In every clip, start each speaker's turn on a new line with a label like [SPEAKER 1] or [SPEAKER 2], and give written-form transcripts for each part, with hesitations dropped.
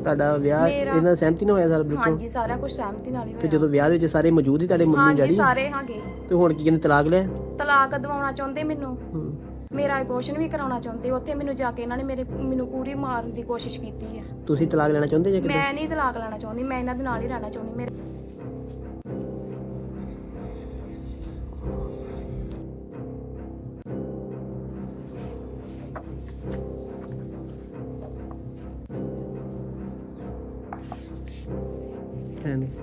[SPEAKER 1] ਤੁਹਾਡਾ ਵਿਆਹ
[SPEAKER 2] ਮੇਰਾ
[SPEAKER 1] ਇਹਨਾਂ ਸਹਿਮਤੀ ਨਾਲ ਹੋਇਆ ਸਾਰਾ ਬਿਲਕੁਲ?
[SPEAKER 2] ਹਾਂਜੀ ਸਾਰਾ ਕੁਝ ਸਹਿਮਤੀ ਨਾਲ ਹੀ
[SPEAKER 1] ਤੇ
[SPEAKER 2] ਹੋਇਆ।
[SPEAKER 1] ਜਦੋਂ ਵਿਆਹ ਦੇ ਵਿੱਚ ਸਾਰੇ ਮੌਜੂਦ ਹੀ ਤੁਹਾਡੇ ਮੰਮੀ
[SPEAKER 2] ਹਾਂਜੀ
[SPEAKER 1] ਡੈਡੀ?
[SPEAKER 2] ਸਾਰੇ ਹੈਗੇ।
[SPEAKER 1] ਤੇ ਹੁਣ ਕੀ ਕਹਿੰਦੇ, ਤਲਾਕ ਲਿਆ?
[SPEAKER 2] ਤਲਾਕ ਦਵਾਉਣਾ ਚਾਹੁੰਦੇ ਮੈਨੂੰ,
[SPEAKER 1] ਹੂੰ।
[SPEAKER 2] ਮੇਰਾ ਅਬੋਰਸ਼ਨ ਵੀ ਕਰਾਉਣਾ ਚਾਹੁੰਦੇ। ਉੱਥੇ ਮੈਨੂੰ ਜਾ ਕੇ ਇਹਨਾਂ ਨੇ ਮੈਨੂੰ ਪੂਰੀ ਮਾਰਨ ਦੀ ਕੋਸ਼ਿਸ਼ ਕੀਤੀ ਹੈ।
[SPEAKER 1] ਤੁਸੀਂ ਤਲਾਕ ਲੈਣਾ ਚਾਹੁੰਦੇ ਜਾਂ ਕਿੱਦਾਂ?
[SPEAKER 2] ਮੈਂ ਨਹੀਂ ਤਲਾਕ ਲੈਣਾ ਚਾਹੁੰਦੀ, ਮੈਂ ਇਹਨਾਂ ਦੇ ਨਾਲ ਹੀ ਰਹਿਣਾ ਚਾਹੁੰਦੀ। ਮੇਰੇ
[SPEAKER 1] ਹੈ ਨੀ।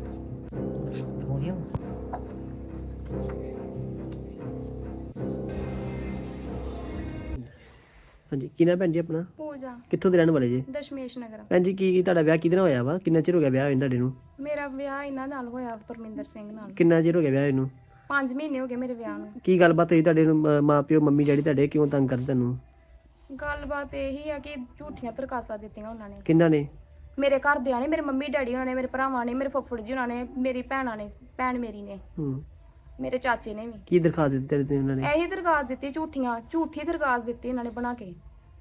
[SPEAKER 1] ਹਾਂਜੀ, ਕੀ ਨਾਮ ਭੈਣ ਜੀ ਆਪਣਾ?
[SPEAKER 2] ਪੂਜਾ
[SPEAKER 1] ਕਿੱਥੋਂ ਦੇ ਰਹਿਣ ਵਾਲੇ ਜੀ?
[SPEAKER 2] ਦਸ਼ਮੇਸ਼ ਨਗਰ।
[SPEAKER 1] ਭੈਣ ਜੀ, ਕੀ ਤੁਹਾਡਾ ਵਿਆਹ ਕਿਹਦੇ ਨਾਲ ਹੋਇਆ ਵਾ? ਕਿੰਨਾ ਚਿਰ ਹੋ ਗਿਆ ਵਿਆਹ ਹੋਏ ਤੁਹਾਡੇ ਨੂੰ?
[SPEAKER 2] ਮੇਰਾ ਵਿਆਹ ਇਹਨਾਂ ਨਾਲ ਹੋਇਆ, ਪਰਮਿੰਦਰ ਸਿੰਘ ਨਾਲ।
[SPEAKER 1] ਕਿੰਨਾ ਚਿਰ ਹੋ ਗਿਆ ਵਿਆਹ ਇਹਨੂੰ?
[SPEAKER 2] 5 ਮਹੀਨੇ ਹੋ ਗਏ ਮੇਰੇ ਵਿਆਹ ਨੂੰ।
[SPEAKER 1] ਕੀ ਗੱਲਬਾਤ ਹੋਈ ਤੁਹਾਡੇ ਨੂੰ? ਮਾਂ ਪਿਓ ਮੰਮੀ ਡੈਡੀ ਤੁਹਾਡੇ ਕਿਉਂ ਤੰਗ ਕਰਦੇ ਤੁਹਾਨੂੰ?
[SPEAKER 2] ਗੱਲਬਾਤ ਇਹੀ ਆ ਕਿ ਝੂਠੀਆਂ ਤਰਕਾਸਾਂ ਦਿੱਤੀਆਂ ਉਹਨਾਂ ਨੇ।
[SPEAKER 1] ਕਿੰਨਾ ਨੇ?
[SPEAKER 2] ਮੇਰੇ ਘਰਦਿਆਂ ਨੇ, ਮੇਰੇ ਮੰਮੀ ਡੈਡੀ ਉਹਨਾਂ ਨੇ, ਮੇਰੇ ਭਰਾਵਾਂ ਨੇ, ਮੇਰੇ ਫੁੱਫੜ ਜੀ ਉਹਨਾਂ ਨੇ, ਮੇਰੀ ਭੈਣਾਂ ਨੇ, ਭੈਣ ਮੇਰੀ ਨੇ,
[SPEAKER 1] ਹੂੰ।
[SPEAKER 2] ਮੇਰੇ ਚਾਚੇ ਨੇ ਵੀ।
[SPEAKER 1] ਕੀ ਦਰਖਾਸਤ ਦਿੱਤੀ ਤੇਰੇ ਤੇ ਉਹਨਾਂ ਨੇ?
[SPEAKER 2] ਇਹੀ ਦਰਖਾਸਤ ਦਿੱਤੀ, ਝੂਠੀ ਦਰਖਾਸਤ ਦਿੱਤੀ ਇਹਨਾਂ ਨੇ ਬਣਾ ਕੇ।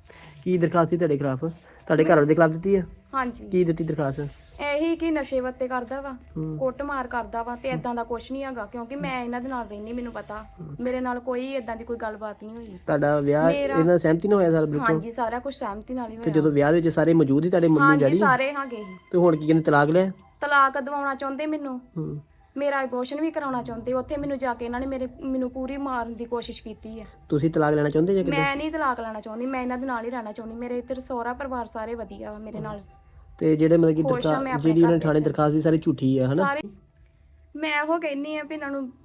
[SPEAKER 1] ਕੀ ਦਰਖਾਸਤ ਸੀ ਤੁਹਾਡੇ ਖਿਲਾਫ? ਤੁਹਾਡੇ ਘਰ ਵਾਲੇ ਦੇ ਖਿਲਾਫ ਦਿੱਤੀ ਆ?
[SPEAKER 2] ਹਾਂਜੀ,
[SPEAKER 1] ਕੀ ਦਿੱਤੀ ਦਰਖਾਸਤ?
[SPEAKER 2] ਇਹੀ ਕਿ ਨਸ਼ੇ ਵੱਤੇ ਕਰਦਾ ਵਾ,
[SPEAKER 1] ਹੂੰ।
[SPEAKER 2] ਕੁੱਟਮਾਰ ਕਰਦਾ ਵਾ, ਤੇ ਇਦਾਂ ਦਾ ਕੁਝ ਨਹੀਂ ਹੈਗਾ ਕਿਉਂਕਿ ਮੈਂ ਇਹਨਾਂ ਦੇ ਨਾਲ ਰਹਿੰਦੀ, ਮੈਨੂੰ ਪਤਾ। ਮੇਰੇ ਨਾਲ ਕੋਈ ਇਦਾਂ ਦੀ ਕੋਈ ਗੱਲਬਾਤ ਨਹੀਂ ਹੋਈ।
[SPEAKER 1] ਤੁਹਾਡਾ ਵਿਆਹ
[SPEAKER 2] ਮੇਰਾ-
[SPEAKER 1] ਇਹਨਾਂ ਸਹਿਮਤੀ ਨਾਲ ਹੋਇਆ ਸਾਰਾ ਬਿਲਕੁਲ?
[SPEAKER 2] ਹਾਂਜੀ ਸਾਰਾ ਕੁਝ ਸਹਿਮਤੀ ਨਾਲ ਹੀ
[SPEAKER 1] ਤੇ
[SPEAKER 2] ਹੋਇਆ।
[SPEAKER 1] ਜਦੋਂ ਵਿਆਹ ਦੇ ਵਿੱਚ ਸਾਰੇ ਮੌਜੂਦ ਹੀ ਤੁਹਾਡੇ ਮੰਮੀ
[SPEAKER 2] ਹਾਂਜੀ
[SPEAKER 1] ਡੈਡੀ?
[SPEAKER 2] ਸਾਰੇ ਹੈਗੇ ਸੀ।
[SPEAKER 1] ਤੇ ਹੁਣ ਕੀ ਕਹਿੰਦੇ, ਤਲਾਕ ਲਿਆ?
[SPEAKER 2] ਤਲਾਕ ਦਵਾਉਣਾ ਚਾਹੁੰਦੇ ਮੈਨੂੰ,
[SPEAKER 1] ਹੂੰ।
[SPEAKER 2] ਮੇਰਾ ਅਬੋਰਸ਼ਨ ਵੀ ਕਰਾਉਣਾ ਚਾਹੁੰਦੇ। ਉੱਥੇ ਮੈਨੂੰ ਜਾ ਕੇ ਇਹਨਾਂ ਨੇ ਮੈਨੂੰ ਪੂਰੀ ਮਾਰਨ ਦੀ ਕੋਸ਼ਿਸ਼ ਕੀਤੀ ਹੈ।
[SPEAKER 1] ਤੁਸੀਂ ਤਲਾਕ ਲੈਣਾ ਚਾਹੁੰਦੇ ਜਾਂ ਕਿੱਦਾਂ?
[SPEAKER 2] ਮੈਂ ਨਹੀਂ ਤਲਾਕ ਲੈਣਾ ਚਾਹੁੰਦੀ, ਮੈਂ ਇਹਨਾਂ ਦੇ ਨਾਲ ਹੀ ਰਹਿਣਾ ਚਾਹੁੰਦੀ। ਮੇਰੇ ਇੱਧਰ ਸਹੁਰਾ ਪਰਿਵਾਰ ਸਾਰੇ ਵਧੀਆ ਵਾ ਮੇਰੇ ਨਾਲ।
[SPEAKER 1] ਤੇ ਜਿਹੜੇ ਮਤਲਬ ਕਿ
[SPEAKER 2] ਖੁਸ਼ ਹਾਂ ਮੈਂ ਆਪਣੇ
[SPEAKER 1] ਜਿਹੜੀ ਉਹਨਾਂ ਨੇ
[SPEAKER 2] ਘਰ
[SPEAKER 1] ਥਾਣੇ
[SPEAKER 2] ਵਿੱਚ।
[SPEAKER 1] ਦਰਖਾਸਤ ਦੀ ਸਾਰੀ ਝੂਠੀ ਆ, ਹਨਾ?
[SPEAKER 2] ਸਾਰੇ ਮੈਂ ਉਹ ਕਹਿੰਨੀ ਆ ਵੀ ਇਹਨਾਂ ਨੂੰ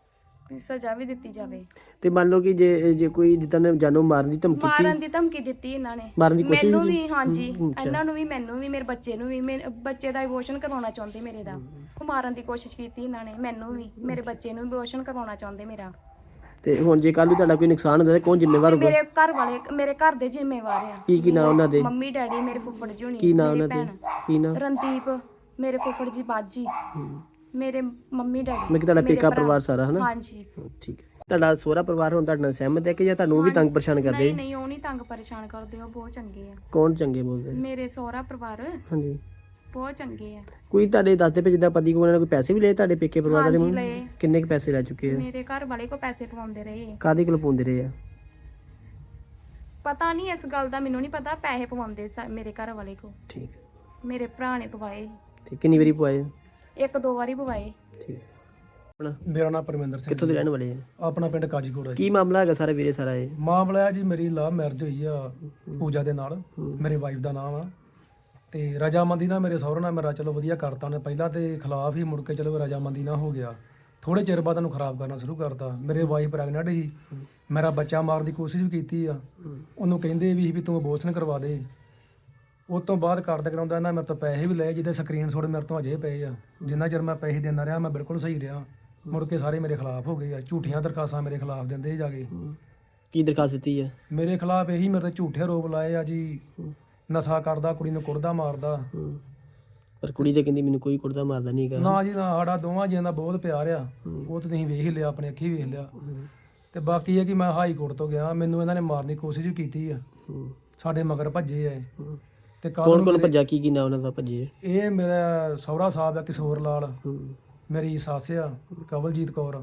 [SPEAKER 2] ਵੀ ਸਜ਼ਾ ਵੀ ਦਿੱਤੀ ਜਾਵੇ।
[SPEAKER 1] ਤੇ ਮੰਨ ਲਓ ਕਿ ਜੇ ਕੋਈ ਜਿੱਦਾਂ ਨੇ ਜਾਨੋਂ ਮਾਰਨ ਦੀ ਧਮਕੀ
[SPEAKER 2] ਮਾਰਨ
[SPEAKER 1] ਦਿੱਤੀ?
[SPEAKER 2] ਦੀ ਧਮਕੀ ਦਿੱਤੀ ਇਹਨਾਂ ਨੇ,
[SPEAKER 1] ਮਾਰਨ ਦੀ ਕੋਸ਼ਿਸ਼
[SPEAKER 2] ਮੈਨੂੰ
[SPEAKER 1] ਵੀ
[SPEAKER 2] ਵੀ। ਹਾਂਜੀ,
[SPEAKER 1] ਅੱਛਾ।
[SPEAKER 2] ਇਹਨਾਂ ਨੂੰ ਵੀ, ਮੈਨੂੰ ਵੀ, ਮੇਰੇ ਬੱਚੇ ਨੂੰ ਵੀ। ਮੇਰੇ ਬੱਚੇ ਦਾ ਅਬੋਰਸ਼ਨ ਕਰਵਾਉਣਾ ਚਾਹੁੰਦੇ ਮੇਰੇ ਦਾ। ਉਹ ਮਾਰਨ ਦੀ ਕੋਸ਼ਿਸ਼ ਕੀਤੀ ਇਹਨਾਂ ਨੇ, ਮੈਨੂੰ ਵੀ, ਮੇਰੇ ਬੱਚੇ ਨੂੰ ਵੀ ਅਬੋਰਸ਼ਨ ਕਰਵਾਉਣਾ ਚਾਹੁੰਦੇ ਮੇਰਾ।
[SPEAKER 1] ਤੇ ਹੁਣ ਜੇ ਕੱਲ ਨੂੰ ਤੁਹਾਡਾ ਕੋਈ ਨੁਕਸਾਨ ਹੁੰਦਾ ਤਾਂ ਕੌਣ ਜ਼ਿੰਮੇਵਾਰ
[SPEAKER 2] ਤੇ
[SPEAKER 1] ਹੋਊਗਾ?
[SPEAKER 2] ਮੇਰੇ ਘਰ ਵਾਲੇ, ਮੇਰੇ ਘਰ ਦੇ ਜ਼ਿੰਮੇਵਾਰ ਆ।
[SPEAKER 1] ਕੀ ਨਾਂ ਉਹਨਾਂ ਦੇ?
[SPEAKER 2] ਮੰਮੀ ਡੈਡੀ, ਮੇਰੇ ਫੁੱਫੜ ਜੀ ਹੋਣੀ,
[SPEAKER 1] ਕੀ ਨਾਂ
[SPEAKER 2] ਮੇਰੀ
[SPEAKER 1] ਉਹਨਾਂ ਦੇ?
[SPEAKER 2] ਭੈਣ
[SPEAKER 1] ਕੀ ਨਾਂ?
[SPEAKER 2] ਰਣਦੀਪ, ਮੇਰੇ ਫੁੱਫੜ ਜੀ ਬਾਜੀ,
[SPEAKER 1] ਹੂੰ।
[SPEAKER 2] ਮੇਰੇ ਮੰਮੀ ਡੈਡੀ,
[SPEAKER 1] ਮੈਂ ਕਿ ਤੁਹਾਡਾ
[SPEAKER 2] ਮੇਰੇ
[SPEAKER 1] ਪੇਕਾ
[SPEAKER 2] ਭਰਾ।
[SPEAKER 1] ਪਰਿਵਾਰ ਸਾਰਾ, ਹਨਾ?
[SPEAKER 2] ਹਾਂਜੀ।
[SPEAKER 1] ਠੀਕ ਹੈ। ਤੁਹਾਡਾ ਸਹੁਰਾ ਪਰਿਵਾਰ ਹੁਣ ਤੁਹਾਡੇ ਨਾਲ ਸਹਿਮਤ ਹੈ ਕਿ ਜਾਂ ਤੁਹਾਨੂੰ ਉਹ ਵੀ ਤੰਗ ਪਰੇਸ਼ਾਨ ਕਰਦੇ?
[SPEAKER 2] ਨਹੀਂ ਨਹੀਂ, ਉਹ ਨਹੀਂ ਤੰਗ ਪਰੇਸ਼ਾਨ ਕਰਦੇ, ਉਹ ਬਹੁਤ ਚੰਗੇ ਆ।
[SPEAKER 1] ਕੌਣ ਚੰਗੇ ਬੋਲਦੇ?
[SPEAKER 2] ਮੇਰੇ ਸਹੁਰਾ ਪਰਿਵਾਰ
[SPEAKER 1] ਹਾਂਜੀ।
[SPEAKER 2] ਬਹੁਤ ਚੰਗੇ ਆ।
[SPEAKER 1] ਕੋਈ ਤੁਹਾਡੇ ਦੱਸਦੇ ਪਏ ਜਿੱਦਾਂ ਪਤੀ ਕੋਲ ਉਹਨਾਂ ਨੇ ਕੋਈ ਪੈਸੇ ਵੀ ਲਏ ਤੁਹਾਡੇ ਪੇਕੇ ਪਰਿਵਾਰ ਵਾਲੇ?
[SPEAKER 2] ਹਾਂਜੀ ਲਏ।
[SPEAKER 1] ਕਿੰਨੇ ਕੁ ਪੈਸੇ ਲੈ ਚੁੱਕੇ ਆ?
[SPEAKER 2] ਮੇਰੇ ਘਰ ਵਾਲੇ ਕੋ ਪੈਸੇ ਪਵਾਉਂਦੇ ਰਹੇ।
[SPEAKER 1] ਕਾਹਦੇ ਕੋਲ ਪਾਉਂਦੇ ਰਹੇ ਆ?
[SPEAKER 2] ਪਤਾ ਨਹੀਂ, ਇਸ ਗੱਲ ਦਾ ਮੈਨੂੰ ਨਹੀਂ ਪਤਾ। ਪੈਸੇ ਪਵਾਉਂਦੇ ਮੇਰੇ ਘਰ ਵਾਲੇ ਕੋ।
[SPEAKER 1] ਠੀਕ।
[SPEAKER 2] ਮੇਰੇ ਭਰਾ ਨੇ ਪਵਾਏ,
[SPEAKER 1] ਠੀਕ, ਕਿੰਨੀ ਵਾਰੀ ਪਵਾਏ?
[SPEAKER 2] 1-2 ਵਾਰੀ ਪਵਾਏ।
[SPEAKER 1] ਠੀਕ। ਆਪਣਾ
[SPEAKER 3] ਮੇਰਾ ਨਾਮ ਪਰਮਿੰਦਰ ਸਿੰਘ
[SPEAKER 1] ਕਿੱਥੋਂ ਦੇ ਰਹਿਣ ਵਾਲੇ ਆ?
[SPEAKER 3] ਆਪਣਾ ਪਿੰਡ ਕਾਜੀਕੋਟ ਹੈ ਜੀ।
[SPEAKER 1] ਕੀ ਮਾਮਲਾ ਹੈਗਾ ਸਾਰਾ ਵੀਰੇ ਸਾਰਾ ਇਹ?
[SPEAKER 3] ਮਾਮਲਾ ਹੈ ਜੀ, ਮੇਰੀ ਲਵ ਮੈਰਿਜ ਹੋਈ ਆ ਪੂਜਾ ਦੇ ਨਾਲ।
[SPEAKER 1] ਹੂੰ।
[SPEAKER 3] ਮੇਰੇ ਵਾਈਫ ਦਾ ਨਾਮ ਆ। ਤੇ ਰਜਾਮੰਦੀ ਨਾਲ ਮੇਰੇ ਸਹੁਰੇ ਨਾਲ ਮੇਰਾ ਚਲੋ ਵਧੀਆ ਕਰਤਾ ਨੇ। ਪਹਿਲਾਂ ਤੇ ਖਿਲਾਫ ਹੀ, ਮੁੜ ਕੇ ਚਲੋ ਰਜਾਮੰਦੀ ਨਾਲ ਹੋ ਗਿਆ। ਥੋੜੇ ਚਿਰ ਬਾਅਦ ਉਹਨੂੰ ਖਰਾਬ ਕਰਨਾ ਸ਼ੁਰੂ ਕਰਤਾ। ਮੇਰੇ ਵਾਈਫ ਪ੍ਰੈਗਨੈਂਟ ਸੀ, ਮੇਰਾ ਬੱਚਾ ਮਾਰਨ ਦੀ ਕੋਸ਼ਿਸ਼ ਵੀ ਕੀਤੀ ਆ। ਉਹਨੂੰ ਕਹਿੰਦੇ ਵੀ ਤੂੰ ਅਬੋਰਸ਼ਨ ਕਰਵਾ ਦੇ। ਉਸ ਤੋਂ ਬਾਅਦ ਕਰਦੇ ਕਰਾਉਂਦਾ ਇਹਨਾਂ ਮੇਰੇ ਤੋਂ ਪੈਸੇ ਵੀ ਲਏ, ਜਿਹਦੇ ਸਕਰੀਨਸ਼ਾਟ ਮੇਰੇ ਤੋਂ ਅਜੇ ਪਏ ਆ। ਜਿੰਨਾ ਚਿਰ ਮੈਂ ਪੈਸੇ ਦਿੰਦਾ ਰਿਹਾ ਮੈਂ ਬਿਲਕੁਲ ਸਹੀ ਰਿਹਾ। ਮੁੜ ਕੇ ਸਾਰੇ ਮੇਰੇ ਖਿਲਾਫ ਹੋ ਗਏ ਆ। ਝੂਠੀਆਂ ਦਰਖਾਸਤਾਂ ਮੇਰੇ ਖਿਲਾਫ ਦਿੰਦੇ ਜਾ ਕੇ।
[SPEAKER 1] ਕੀ ਦਰਖਾਸਤ ਦਿੱਤੀ ਹੈ?
[SPEAKER 3] ਮੇਰੇ ਖਿਲਾਫ ਇਹੀ ਮੇਰੇ ਤੇ ਝੂਠੇ ਆਰੋਪ ਲਾਏ ਆ ਜੀ। ਨਸ਼ਾ ਕਰਦਾ, ਕੁੜੀ ਨੂੰ ਕੁੱਟਦਾ ਮਾਰਦਾ।
[SPEAKER 1] ਪਰ ਕੁੜੀ ਤੇ ਕਹਿੰਦੀ ਮੈਨੂੰ ਕੋਈ ਕੁੜਦਾ ਮਾਰਦਾ ਨਹੀਂ ਹੈਗਾ।
[SPEAKER 3] ਨਾ ਜੀ ਨਾ, ਸਾਡਾ ਦੋਵਾਂ ਜੀਆਂ ਦਾ ਬਹੁਤ ਪਿਆਰ ਆ। ਉਹ ਤਾਂ ਤੁਸੀਂ ਵੇਖ ਹੀ ਲਿਆ, ਆਪਣੇ ਅੱਖੀ ਵੇਖ ਲਿਆ। ਤੇ ਬਾਕੀ ਇਹ ਕਿ ਮੈਂ ਹਾਈ ਕੋਰਟ ਤੋਂ ਗਿਆ, ਮੈਨੂੰ ਇਹਨਾਂ ਨੇ ਮਾਰਨ ਦੀ ਕੋਸ਼ਿਸ਼ ਵੀ ਕੀਤੀ ਆ। ਸਾਡੇ ਮਗਰ ਭੱਜੇ ਆ ਇਹ। ਤੇ
[SPEAKER 1] ਕੌਣ ਕੌਣ ਭੱਜਾ? ਕੀ ਨਾਂ ਉਹਨਾਂ ਦਾ ਭੱਜੇ?
[SPEAKER 3] ਇਹ ਮੇਰਾ ਸਹੁਰਾ ਸਾਹਿਬ ਆ ਕਿਸ਼ੋਰ ਲਾਲ, ਮੇਰੀ ਸੱਸ ਆ ਕਵਲਜੀਤ ਕੌਰ,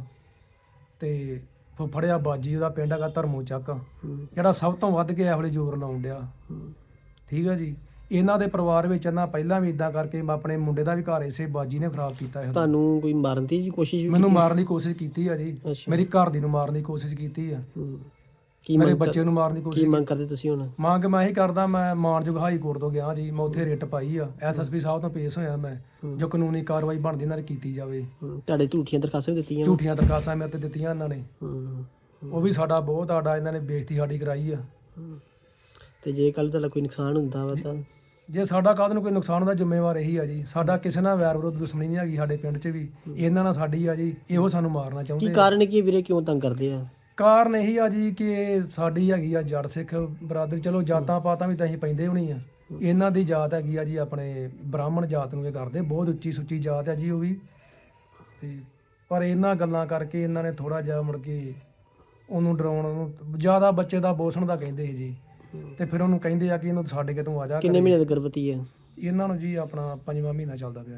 [SPEAKER 3] ਤੇ ਫੁੱਫੜਿਆ ਬਾਜੀ, ਉਹਦਾ ਪਿੰਡ ਹੈਗਾ ਧਰਮੂ ਚੱਕ, ਜਿਹੜਾ ਸਭ ਤੋਂ ਵੱਧ ਕੇ ਇਹੋ ਜਿਹੇ ਜ਼ੋਰ ਲਾਉਣ ਡਿਆ। ਠੀਕ ਹੈ ਜੀ। ਇਹਨਾਂ ਦੇ ਪਰਿਵਾਰ ਵਿੱਚ ਇਹਨਾਂ ਪਹਿਲਾਂ ਵੀ ਇਦਾਂ ਕਰਕੇ ਆਪਣੇ ਮੁੰਡੇ ਦਾ ਵੀ ਘਰ ਇਸੇ ਬਾਜੀ ਨੇ ਖਰਾਬ ਕੀਤਾ ਹੈ।
[SPEAKER 1] ਤੁਹਾਨੂੰ ਕੋਈ ਮਾਰਨ ਦੀ ਕੋਸ਼ਿਸ਼ ਵੀ
[SPEAKER 3] ਮੈਨੂੰ ਮਾਰਨ ਦੀ ਕੋਸ਼ਿਸ਼ ਕੀਤੀ ਆ ਜੀ।
[SPEAKER 1] ਅੱਛਾ।
[SPEAKER 3] ਮੇਰੀ ਘਰ ਦੀ ਨੂੰ ਮਾਰਨ ਦੀ ਕੋਸ਼ਿਸ਼ ਕੀਤੀ ਆ।
[SPEAKER 1] ਕੀ
[SPEAKER 3] ਮੇਰੇ
[SPEAKER 1] ਮੰਗ
[SPEAKER 3] ਬੱਚੇ ਨੂੰ ਮਾਰਨ ਦੀ
[SPEAKER 1] ਕੀ
[SPEAKER 3] ਕੋਸ਼ਿਸ਼।
[SPEAKER 1] ਮੰਗ ਕਰਦੇ ਤੁਸੀਂ ਹੁਣ?
[SPEAKER 3] ਮੰਗ ਮੈਂ ਇਹੀ ਕਰਦਾ, ਮੈਂ ਮਾਨਯੋਗ ਹਾਈ ਕੋਰਟ ਤੋਂ ਗਿਆ ਜੀ। ਮੈਂ ਉੱਥੇ ਰਿਟ ਪਾਈ ਆ, ਐਸਐਸਪੀ ਸਾਹਿਬ ਤੋਂ ਪੇਸ਼ ਹੋਇਆ ਮੈਂ। ਜੋ ਕਾਨੂੰਨੀ ਕਾਰਵਾਈ ਬਣਦੀ ਇਹਨਾਂ ਦੀ ਕੀਤੀ ਜਾਵੇ।
[SPEAKER 1] ਤੁਹਾਡੇ ਝੂਠੀਆਂ ਦਰਖਾਸਤਾਂ ਵੀ ਦਿੱਤੀਆਂ?
[SPEAKER 3] ਝੂਠੀਆਂ ਦਰਖਾਸਤਾਂ ਮੇਰੇ ਤੇ ਦਿੱਤੀਆਂ ਇਹਨਾਂ ਨੇ। ਉਹ ਵੀ ਸਾਡਾ ਬਹੁਤ ਆਡਾ ਇਹਨਾਂ ਨੇ ਬੇਇੱਜ਼ਤੀ ਸਾਡੀ ਕਰਾਈ ਆ।
[SPEAKER 1] ਤੇ ਜੇ ਕੱਲ ਤੁਹਾਡਾ ਕੋਈ ਨੁਕਸਾਨ ਹੁੰਦਾ ਵਾ ਤਾਂ?
[SPEAKER 3] ਜੇ ਸਾਡਾ ਕਾਹਦ ਨੂੰ ਕੋਈ ਨੁਕਸਾਨ ਹੁੰਦਾ, ਜ਼ਿੰਮੇਵਾਰ ਇਹੀ ਆ ਜੀ। ਸਾਡਾ ਕਿਸੇ ਨਾਲ ਵੈਰ ਵਿਰੋਧ ਦੁਸ਼ਮਣੀ ਨਹੀਂ ਹੈਗੀ ਸਾਡੇ ਪਿੰਡ 'ਚ ਵੀ। ਇਹਨਾਂ ਨਾਲ ਸਾਡੀ ਆ ਜੀ। ਇਹੋ ਸਾਨੂੰ ਮਾਰਨਾ
[SPEAKER 1] ਕੀ
[SPEAKER 3] ਚਾਹੁੰਦੇ ਆ।
[SPEAKER 1] ਕਾਰਨ ਕੀ ਵੀਰੇ, ਕਿਉਂ ਤੰਗ ਕਰਦੇ ਆ?
[SPEAKER 3] ਕਾਰਨ ਇਹੀ ਆ ਜੀ ਕਿ ਇਹ ਸਾਡੀ ਹੈਗੀ ਆ ਜੱਟ ਸਿੱਖ ਬਰਾਦਰੀ। ਚਲੋ ਜਾਤਾਂ ਪਾਤਾਂ ਵੀ ਤਾਂ ਅਸੀਂ ਪੈਂਦੇ ਹੋਣੀ ਆ। ਇਹਨਾਂ ਦੀ ਜਾਤ ਹੈਗੀ ਆ ਜੀ ਆਪਣੇ ਬ੍ਰਾਹਮਣ ਜਾਤ ਨੂੰ ਇਹ ਕਰਦੇ। ਬਹੁਤ ਉੱਚੀ ਸੁੱਚੀ ਜਾਤ ਹੈ ਜੀ ਉਹ ਵੀ। ਤੇ ਪਰ ਇਹਨਾਂ ਗੱਲਾਂ ਕਰਕੇ ਇਹਨਾਂ ਨੇ ਥੋੜਾ ਜਿਹਾ ਮੁੜ ਕੇ ਉਹਨੂੰ ਡਰਾਉਣ ਨੂੰ ਜ਼ਿਆਦਾ ਬੱਚੇ ਦਾ ਅਬੋਰਸ਼ਨ ਦਾ ਕਹਿੰਦੇ ਸੀ ਜੀ। ਤੇ ਫਿਰ ਉਹਨੂੰ ਕਹਿੰਦੇ ਆ ਕਿ ਇਹਨੂੰ ਛੱਡ ਕੇ ਤੂੰ ਆ ਜਾ।
[SPEAKER 1] ਕਿੰਨੇ ਮਹੀਨੇ ਦੀ ਗਰਭਵਤੀ ਹੈ?
[SPEAKER 3] ਇਹਨਾਂ ਨੂੰ ਜੀ ਆਪਣਾ 5ਵਾਂ ਮਹੀਨਾ ਚੱਲਦਾ ਪਿਆ।